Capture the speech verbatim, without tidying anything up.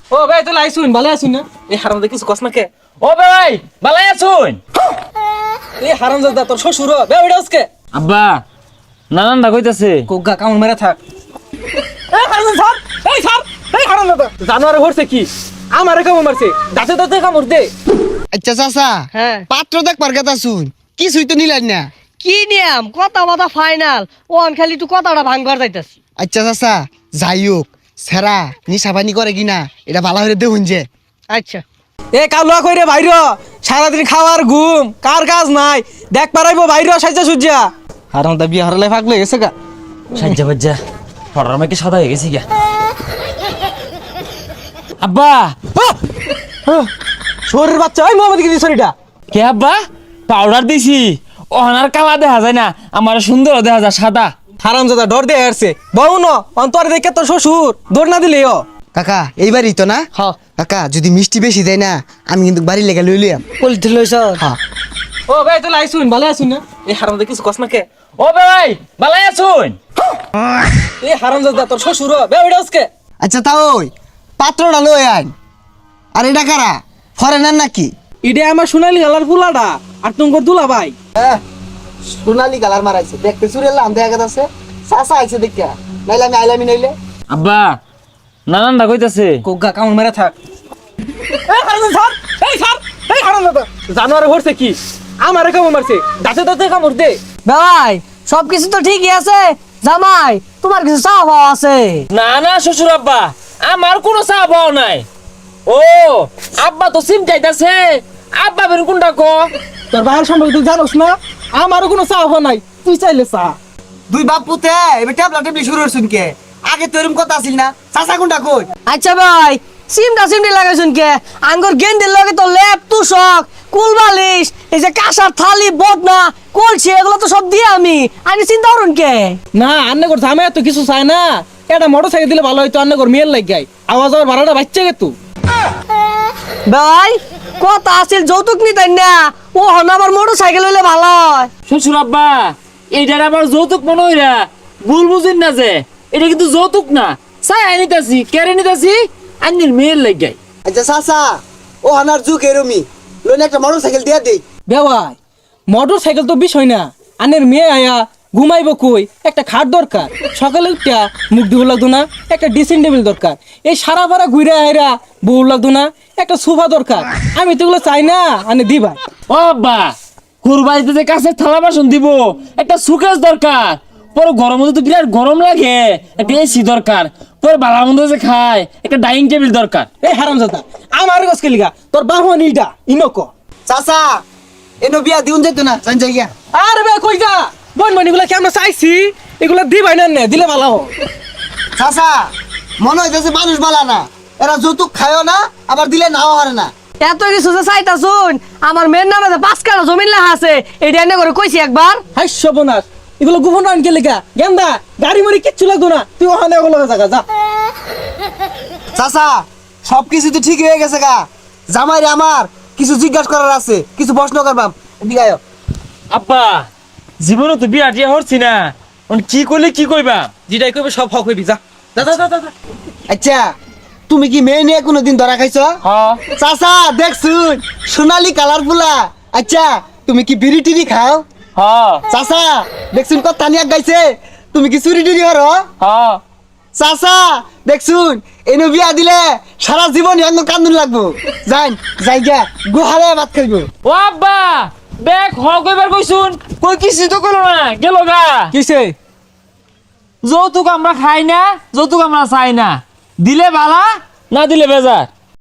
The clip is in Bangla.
ও ভাই তুই আইছুন ভালো আছুন না এই হারামজাদা কিছু কস না কে ও ভাই ভালো আছুন এই হারামজাদা তোর শ্বশুর বে ওইটা আজকে আব্বা নানানদা কইতাছে কোগা কামড় মেরে থাক এই হারামজাদা স্যার এই স্যার এই হারামজাদা জানোয়ারে হরছে কি আমারে কামড় মারছে দাঁতে দাঁতে কামড় দে আচ্ছা চাচা হ্যাঁ পাত্র দেখবার কথা শুন কিছুই তো নিলেন না। কি নিয়ম কথা বাতা ফাইনাল ওন খালি তুই কথাটা ভাঙবার যাইতাছি। আচ্ছা চাচা যাই হোক সেরা নিশাবানি করে কিনা এটা ভালো হয়ে দেখুন যে। আচ্ছা এ কালুয়া কইরে বাইর সারাদিন খাওয়ার ঘুম কার কাজ নাই দেখ পারাইবো বাইর সাইজা সুজা হারামজাদা বিয়ে হারালে ফাগলে গেছে গা সাজ্জা বাজ্জা ফটার মাইকে সাদা হয়ে গেছি গা আব্বা শরীর বাচ্চা ওই মোহাম্মদ কি শরীরটা কে আব্বা পাউডার দিছি ওহানার কালা দেখা যায় না আমার সুন্দর দেখা যায় সাদা হারামজাদা ডর দিয়ে আসছে বউ ন অন্তরে দেখে তোর শ্বশুর দৌড় না দিলে ও কাকা এইবারই তো না হ্যাঁ কাকা যদি মিষ্টি বেশি দেয় না আমি কিন্তু বাড়ি লেগে লই লিয়াম। পলিথি লইছ হ্যাঁ ও ভাই তুই আইছুন ভালো আছুন না এই হারামজাদা কিছু কস না কে ও ভাই ভালো আছুন এই হারামজাদা তোর শ্বশুর বে ওইটা আজকে আচ্ছা তা ওই পাত্রটা লই আইন। আর এটা কারা ফরেনার নাকি? ইডে আমার সোনালি গালার ফুলাডা আর তোমার দুলা ভাই সোনালি কালার মারাইছে দেখতে চুরেলাম দেখা গেছে চাচা আইছে দেখা নাইলে আমি আইলামি নাইলে। আব্বা নানানদা কইতাছে কোগা কামড় মেরে থাক এই হারামজাদা স্যার এই স্যার এই হারামজাদা জানোয়ারে হরছে কি আমারে কামড় মারছে দাঁতে দাঁতে কামড় দে ভাই সবকিছু তো ঠিকই আছে জামাই তোমার কিছু চাওয়া পাওয়া আছে? না না শ্বশুর আব্বা আমার কোনো চা পাও নাই ও আব্বা তো সিম চাইতাছে আব্বা বের কোনটা কো তোর ভাইয়ের সম্পর্কে তুই জানোস না আমারও কোনো চাওয়া নাই তুই চাইলে চা দুই বাপ পুতে এবার ট্যাবলা ট্যাবলি শুরু হচ্ছুন কে আগে তো এরকম কথা আসিল না চাচা কোনটা কই? আচ্ছা ভাই সিমটা সিমটি লাগাইছুন কে আঙ্গুর গেন্দির লগে তো লেপ তুষক কুল বালিশ এই যে কাঁসার থালি বদনা কলছি এগুলো তো সব দিয়ে আমি আমি চিন্তা করুন কে না আন্নে কর ঝামে তো কিছু চায় না এটা মোটর সাইকেল দিলে ভালো হইতো আন্নে কর মেয়ের লাগ গাই আওয়াজ আর ভাড়াটা বাচ্চা গে তুই ভাই কথা আছিল যৌতুক নিতেন না ও হন আবার মোটর সাইকেল হইলে ভালো হয়। শ্বশুর আব্বা এইটার আবার যৌতুক মনে হইরা ভুল বুঝিন না যে এটা কিন্তু যৌতুক না চাই আনিতাছি কেড়ে নিতাছি আন্নির মেয়ের লাগাই আচ্ছা চাচা ও হানার যুগ এরমি লোন একটা মোটর সাইকেল দিয়ে দেই। বেওয়াই মোটর সাইকেল তো বিষয় না আন্নের মেয়ে আয়া ঘুমাইবো কই একটা খাট দরকার সকালে উঠা মুখ ধুবো লাগতো না একটা ড্রেসিং টেবিল দরকার এই সারা ভাড়া ঘুরে আয়রা বউ লাগতো না একটা সোফা দরকার আমি তো এগুলো চাই না আনে দিবা ও আব্বা কুরবানিতে যে কাছের থালা বাসন দিব একটা সুকেস দরকার পরে গরম মধ্যে তো বিরাট গরম লাগে একটা এসি দরকার পরে বালা মন্দ যে খায় একটা ডাইনিং টেবিল দরকার এই হারামজাদা আমার গছকে লিগা তোর বাহন ইটা ইনক চাচা এনো বিয়া দিউন যাইতো না জান যাই গিয়া। আরে বে কই যা বন বন এগুলা কি আমরা চাইছি এগুলা দিবাই না নে দিলে ভালো হয় চাচা মনে হইতেছে মানুষ বালা না এরা যৌতুক খায়ও না আবার দিলে নাও হারে না। এত কিছু যে চাইতা শুন আমার মেয়ের নামে যে পাঁচ কাটা জমিন লেখা আছে এটা এনে করে কইছি একবার হাই সবনাশ এগুলো গোপন আনকে লেগা গেন্দা গাড়ি মারি কিচ্ছু লাগতো না তুই ওখানে ওগুলো জায়গা যা চাচা সবকিছু তো ঠিক হয়ে গেছে গা জামাই রে আমার কিছু জিজ্ঞাসা করার আছে কিছু প্রশ্ন করবাম এদিকে আয়। আব্বা জীবনে তো বিয়া টিয়া হচ্ছি না এখন কি করলে কি কইবা যেটাই কইবে সব হক হইবি যা যা যা যা যা আচ্ছা তুমি কি মেয়ে নিয়ে কোনোদিন ধরা খাইছো? হ্যাঁ চাচা দেখছুন সোনালি কালার ফুলা। আচ্ছা তুমি কি বিড়ি টিড়ি খাও? হ্যাঁ চাচা দেখছুন কথা নিয়ে গাইছে তুমি কি চুরি টুরি করো? হ্যাঁ চাচা দেখছুন এনে বিয়া দিলে সারা জীবন ইয়াঙ্গ কান্দুন লাগবো যাই যাই গিয়া গুহালে ভাত খাইবো। ও আব্বা বেক হ কইবার কইছুন কই কিছু তো কইলো না গেল গা কিসে যৌতুক আমরা খাই না যৌতুক আমরা চাই না দিলে বালা না দিলে বেজার